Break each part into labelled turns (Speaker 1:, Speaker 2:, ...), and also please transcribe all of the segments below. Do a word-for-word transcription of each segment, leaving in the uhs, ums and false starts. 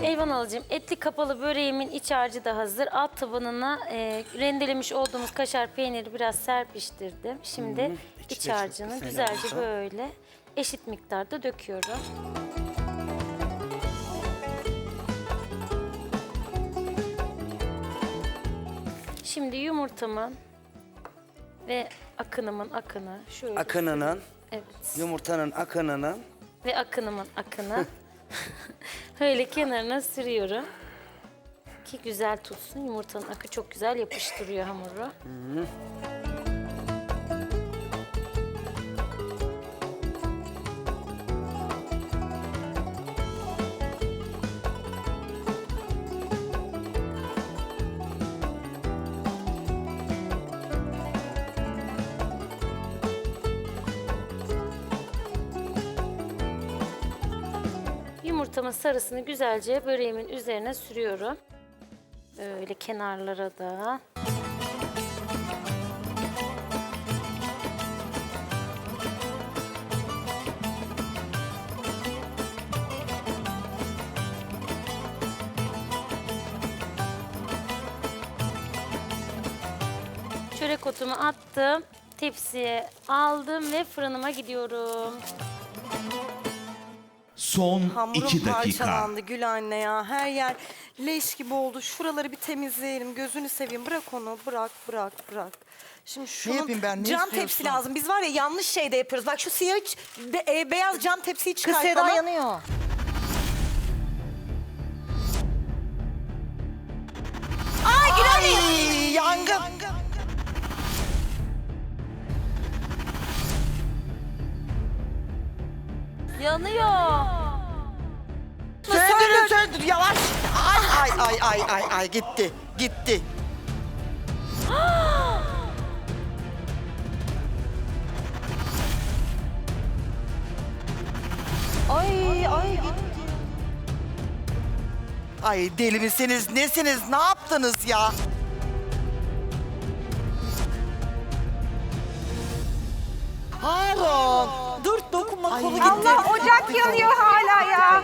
Speaker 1: Eyvan alacağım. Etli kapalı böreğimin iç harcı da hazır. Alt tabanına e, rendelemiş olduğumuz kaşar peyniri biraz serpiştirdim. Şimdi
Speaker 2: Hı, içi
Speaker 1: iç
Speaker 2: de çok
Speaker 1: harcını
Speaker 2: güzel
Speaker 1: güzelce
Speaker 2: oldu.
Speaker 1: böyle eşit miktarda döküyorum. Şimdi yumurtamın ve akınımın akını şöyle.
Speaker 2: Akınının,
Speaker 1: Evet.
Speaker 2: yumurtanın akınının.
Speaker 1: Ve akınımın akını öyle kenarına sürüyorum ki güzel tutsun. Yumurtanın akı çok güzel yapıştırıyor hamuru.
Speaker 2: Hı.
Speaker 1: Yumurtamın sarısını güzelce böreğimin üzerine sürüyorum. Böyle kenarlara da. Çörek otumu attım. Tepsiye aldım ve fırınıma gidiyorum.
Speaker 3: Son
Speaker 4: Hamurum
Speaker 3: iki dakika.
Speaker 4: parçalandı Gül anne ya. Her yer leş gibi oldu. Şuraları bir temizleyelim. Gözünü seveyim. Bırak onu. Bırak, bırak, bırak. Şimdi şunun
Speaker 5: yapayım ben, ne
Speaker 4: cam
Speaker 5: istiyorsun?
Speaker 4: tepsi lazım. Biz var ya yanlış şeyde yapıyoruz. Bak şu siyah, be- e, beyaz cam tepsiyi
Speaker 5: Kız
Speaker 4: çıkart
Speaker 5: Seda
Speaker 4: bana.
Speaker 5: yanıyor.
Speaker 4: Ay Gül anne.
Speaker 5: Ay, yangın.
Speaker 1: Yanıyor.
Speaker 5: Söndürün söndür yavaş. Ay ay ay ay ay ay gitti gitti.
Speaker 4: Ay ay gitti.
Speaker 5: Ay deli misiniz nesiniz ne yaptınız ya? Harun.
Speaker 4: Dur dokunma
Speaker 5: Ay,
Speaker 4: kolu
Speaker 5: gitti.
Speaker 4: gitti.
Speaker 5: Allah,
Speaker 4: ocak yanıyor hala ya.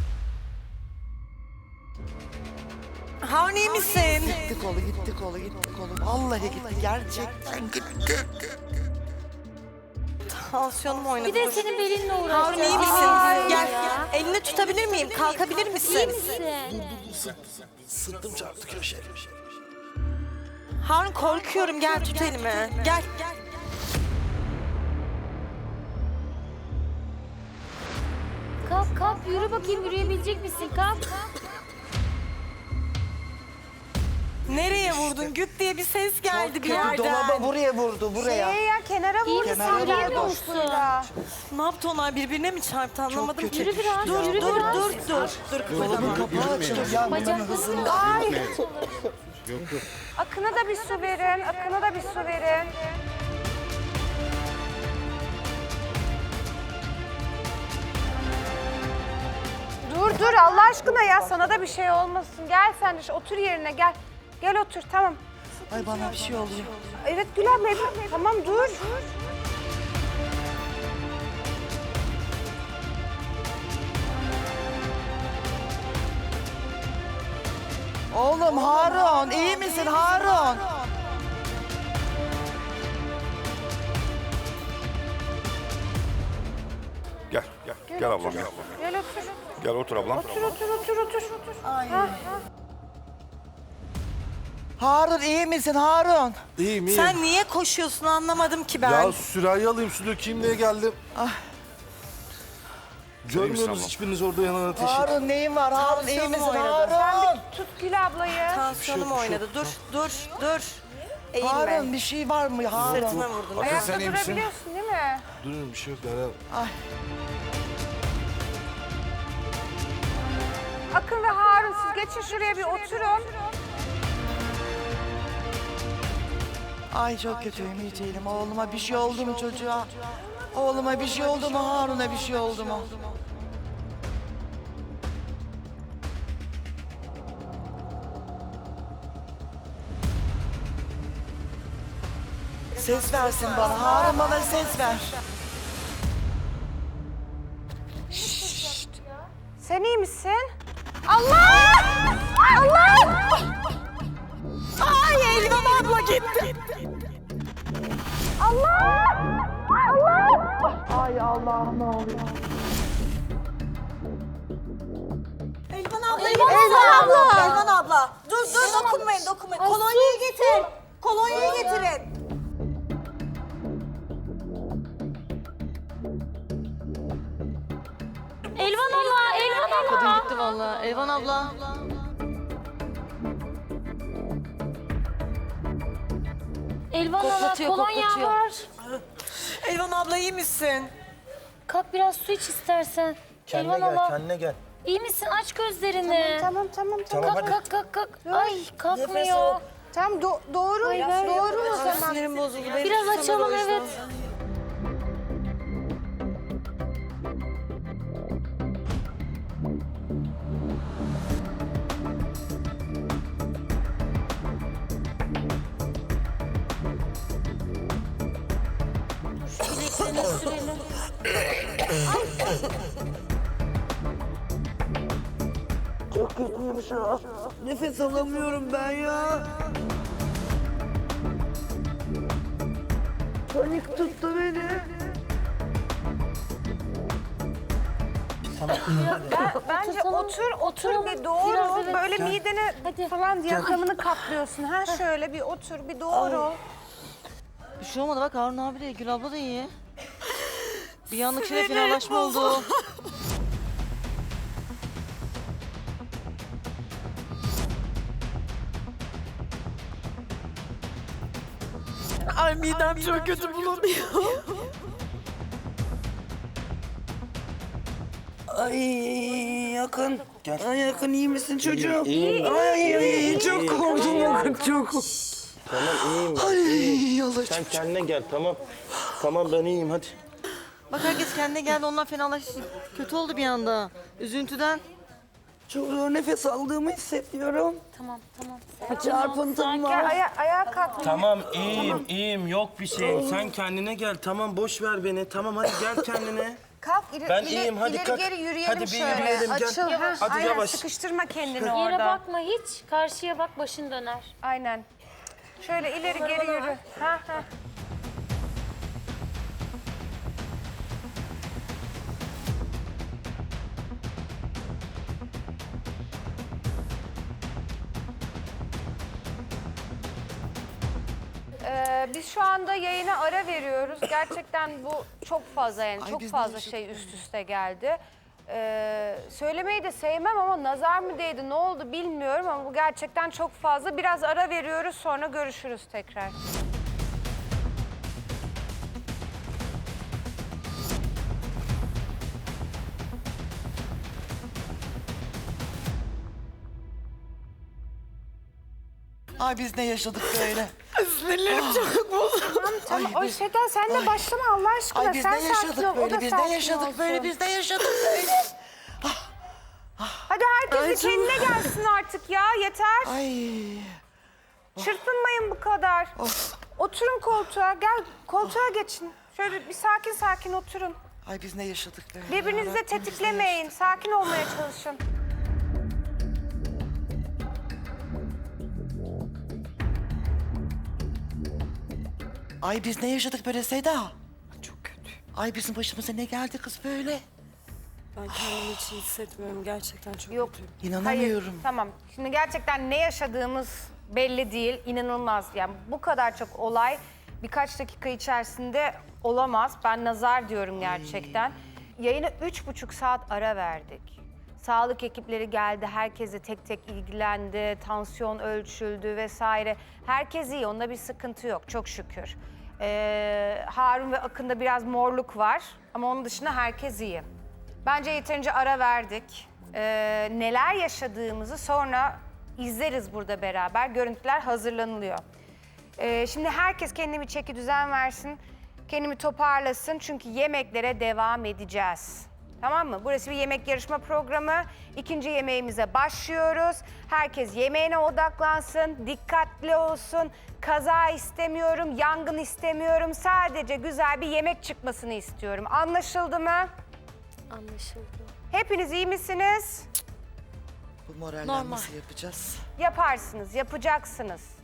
Speaker 4: Harun iyi misin?
Speaker 5: Gitti kolu gitti kolu gitti kolu. Vallahi gitti gerçekten gitti.
Speaker 4: Tansiyonum oynadı.
Speaker 1: Bir de
Speaker 4: dur.
Speaker 1: senin belinle uğraşacağım.
Speaker 4: Harun iyi misin?
Speaker 1: Ay
Speaker 4: Gel.
Speaker 1: ya.
Speaker 4: Elini tutabilir miyim? Kalkabilir misin?
Speaker 1: İyi misin?
Speaker 2: Sıktım çarptı köşeye.
Speaker 4: Harun korkuyorum. Gel tut elimi. Gel.
Speaker 1: Kalk kalk yürü bakayım yürüyebilecek misin? Kalk.
Speaker 4: Nereye vurdun? Güp diye bir ses geldi bir
Speaker 5: Kötü
Speaker 4: yerden.
Speaker 5: dolaba buraya vurdu buraya.
Speaker 4: ya kenara
Speaker 1: İyi misin?
Speaker 5: Kenara
Speaker 1: Yürüyemiyor
Speaker 5: vurdu.
Speaker 1: musun?
Speaker 4: Ne yaptı onlar birbirine mi çarptı anlamadım
Speaker 5: kötü.
Speaker 4: ki.
Speaker 1: Yürü biraz,
Speaker 4: Dur
Speaker 1: yürü
Speaker 4: dur
Speaker 1: biraz.
Speaker 4: dur dur. Dur
Speaker 5: Dolabın kapağı açılır ya.
Speaker 1: Bacaklarını
Speaker 6: Akına da bir su verin, Akına da bir su verin. Dur dur Allah aşkına ya sana da bir şey olmasın. Gel sen de şu- otur yerine gel. Gel otur tamam.
Speaker 5: Ay bana bir şey oluyor.
Speaker 6: Evet Gül abla evet. Tamam dur.
Speaker 5: Oğlum Harun iyi misin Harun?
Speaker 7: Gel, gel. Gel ablam gel.
Speaker 6: Gel otur.
Speaker 7: Gel otur ablam.
Speaker 6: Otur otur otur otur.
Speaker 5: Ay. Harun iyi misin Harun?
Speaker 8: İyiyim iyiyim.
Speaker 4: Sen niye koşuyorsun anlamadım ki ben.
Speaker 8: Ya sürahi alayım su dökeyim diye geldim.
Speaker 5: Ah.
Speaker 8: Görmüyorsunuz
Speaker 7: abla.
Speaker 8: hiçbiriniz orada yanan ateşi.
Speaker 5: Harun neyin var Harun iyi
Speaker 4: Tansiyonum
Speaker 5: misin
Speaker 4: oynadı.
Speaker 5: Harun?
Speaker 6: Tut Gül ablayı.
Speaker 4: Tansiyonum oynadı. Dur dur dur. Eğilme.
Speaker 5: Harun bir şey var mı Harun?
Speaker 4: Sırtıma vurdun.
Speaker 8: Akın
Speaker 6: Ayakta
Speaker 8: sen iyi misin?
Speaker 6: durabiliyorsun değil mi?
Speaker 8: Durun bir şey yok Derya.
Speaker 5: Ay.
Speaker 6: Akın ve Harun siz geçin şuraya bir oturun.
Speaker 5: Ay çok kötüyüm iyi değilim. Oğluma bir şey oldu mu çocuğa? Oğluma bir şey oldu mu Harun'a bir şey oldu mu? Ses versin bana. Harun bana ses ver.
Speaker 6: Sen iyi misin? Allah! Allah!
Speaker 4: Ay Elvan abla gitti.
Speaker 6: Allah! Allah!
Speaker 5: Ay Allah'ım ne oluyor?
Speaker 4: Elvan abla.
Speaker 6: Elvan abla!
Speaker 4: Elvan abla. Dur dur dokunmayın dokunmayın. Kolonyayı getir. Kolonyayı getirin.
Speaker 1: Elvan abla, Elvan abla.
Speaker 4: Gitti vallahi. Elvan abla.
Speaker 1: Elvan abla
Speaker 4: Koklatıyor,
Speaker 1: kolonya
Speaker 4: koklatıyor.
Speaker 1: var.
Speaker 4: Elvan abla iyi misin?
Speaker 1: Kalk biraz su iç istersen.
Speaker 2: Kendine
Speaker 1: Elvan
Speaker 2: gel,
Speaker 1: abla.
Speaker 2: kendine gel.
Speaker 1: İyi misin? Aç gözlerini.
Speaker 6: Tamam tamam tamam.
Speaker 1: Kalk kalk kalk kalk. Ay kalkmıyor.
Speaker 6: Tamam do- doğru
Speaker 1: Ay, ver.
Speaker 6: doğru o zaman.
Speaker 4: Sinirim bozuldu. Benim
Speaker 1: Biraz
Speaker 4: sana
Speaker 1: açalım
Speaker 4: da o yüzden.
Speaker 1: evet. Şu bileklerine sürelim.
Speaker 2: Çok kötüyüm şu an. Nefes alamıyorum ben ya. Panik tuttu beni.
Speaker 6: Bence
Speaker 1: Oturtalım,
Speaker 6: otur otur
Speaker 1: oturalım.
Speaker 6: bir doğru.
Speaker 1: Biraz evet.
Speaker 6: Böyle midene
Speaker 1: Hadi.
Speaker 6: falan diyakamını kaplıyorsun. Ha şöyle bir otur bir doğru.
Speaker 4: Bir şey olmadı bak Harun abi de Gül abla da iyi. Bir anlık şöyle fenalaşma oldu. Ay midem çok kötü bulanıyor.
Speaker 2: Ay yakın. Gel. Ay yakın iyi misin çocuğum? İyiyim. Ay ay çok korktum yakın çok.
Speaker 3: Tamam iyiyim ben. iyiyim. Sen kendine gel tamam. Tamam ben iyiyim hadi.
Speaker 4: Bak herkes kendine geldi ondan fenalaştı. Kötü oldu bir anda. Üzüntüden.
Speaker 2: Çok zor nefes aldığımı hissediyorum.
Speaker 1: Tamam tamam.
Speaker 2: Çarpıntım var.
Speaker 6: Gel aya ayağa kalk.
Speaker 3: Tamam iyiyim iyiyim yok bir şeyim. Sen kendine gel tamam boş ver beni. Tamam hadi gel kendine.
Speaker 6: Kalk ileri,
Speaker 3: Ben
Speaker 6: ileri,
Speaker 3: iyiyim, hadi
Speaker 6: ileri
Speaker 3: kalk.
Speaker 6: geri yürüyelim
Speaker 3: Hadi bir
Speaker 6: şöyle.
Speaker 3: yürüyelim, gel.
Speaker 6: Açıl. ha,
Speaker 3: Hadi
Speaker 6: aynen,
Speaker 3: yavaş.
Speaker 6: sıkıştırma kendini
Speaker 1: Yere
Speaker 6: orada.
Speaker 1: bakma hiç. Karşıya bak başın döner.
Speaker 6: Aynen. Şöyle ileri geri yürü. Ha ha. Ee, biz şu anda yayına ara veriyoruz. Gerçekten bu çok fazla yani
Speaker 5: Ay,
Speaker 6: çok
Speaker 5: biz
Speaker 6: fazla
Speaker 5: de
Speaker 6: şey üst üste geldi. Ee, söylemeyi de sevmem ama nazar mı değdi ne oldu bilmiyorum ama bu gerçekten çok fazla. Biraz ara veriyoruz sonra görüşürüz tekrar.
Speaker 5: Ay biz ne yaşadık böyle?
Speaker 6: Tamam o
Speaker 5: biz-
Speaker 6: şeyden sen de başlama Allah aşkına.
Speaker 5: Ay biz
Speaker 6: sen
Speaker 5: ne
Speaker 6: sakin
Speaker 5: yaşadık
Speaker 6: ol, o da
Speaker 5: böyle? Biz ne
Speaker 6: sakin
Speaker 5: yaşadık
Speaker 6: olsun.
Speaker 5: böyle? Biz ne yaşadık böyle?
Speaker 6: Hadi herkes bir kendine gelsin artık ya yeter.
Speaker 5: Ay.
Speaker 6: Çırpınmayın bu kadar.
Speaker 5: Of.
Speaker 6: Oturun koltuğa gel koltuğa geçin. Şöyle bir sakin sakin oturun.
Speaker 5: Ay biz ne yaşadık böyle?
Speaker 6: Birbirinizi de
Speaker 5: Rabbim, biz ne
Speaker 6: tetiklemeyin. Sakin olmaya çalışın.
Speaker 5: Ay biz ne yaşadık böyle Seda? Çok kötü. Ay bizim başımıza ne geldi kız böyle?
Speaker 4: Ben kendimi hiç iyi hissetmiyorum gerçekten çok
Speaker 6: Yok.
Speaker 4: kötüyüm.
Speaker 5: İnanamıyorum.
Speaker 6: Hayır, tamam. Şimdi gerçekten ne yaşadığımız belli değil. İnanılmaz. Yani bu kadar çok olay birkaç dakika içerisinde olamaz. Ben nazar diyorum gerçekten. Yayına üç buçuk saat ara verdik. Sağlık ekipleri geldi, herkese tek tek ilgilendi, tansiyon ölçüldü vesaire. Herkes iyi, onda bir sıkıntı yok çok şükür. Ee, Harun ve Akın'da biraz morluk var ama onun dışında herkes iyi. Bence yeterince ara verdik. Ee, neler yaşadığımızı sonra izleriz burada beraber. Görüntüler hazırlanılıyor. Ee, şimdi herkes kendine bir çeki düzen versin. Kendimi toparlasın çünkü yemeklere devam edeceğiz. Tamam mı? Burası bir yemek yarışma programı. İkinci yemeğimize başlıyoruz. Herkes yemeğine odaklansın, dikkatli olsun. Kaza istemiyorum, yangın istemiyorum. Sadece güzel bir yemek çıkmasını istiyorum. Anlaşıldı mı?
Speaker 1: Anlaşıldı.
Speaker 6: Hepiniz iyi misiniz?
Speaker 5: Bu moraller
Speaker 1: Normal.
Speaker 5: nasıl yapacağız?
Speaker 6: Yaparsınız, yapacaksınız.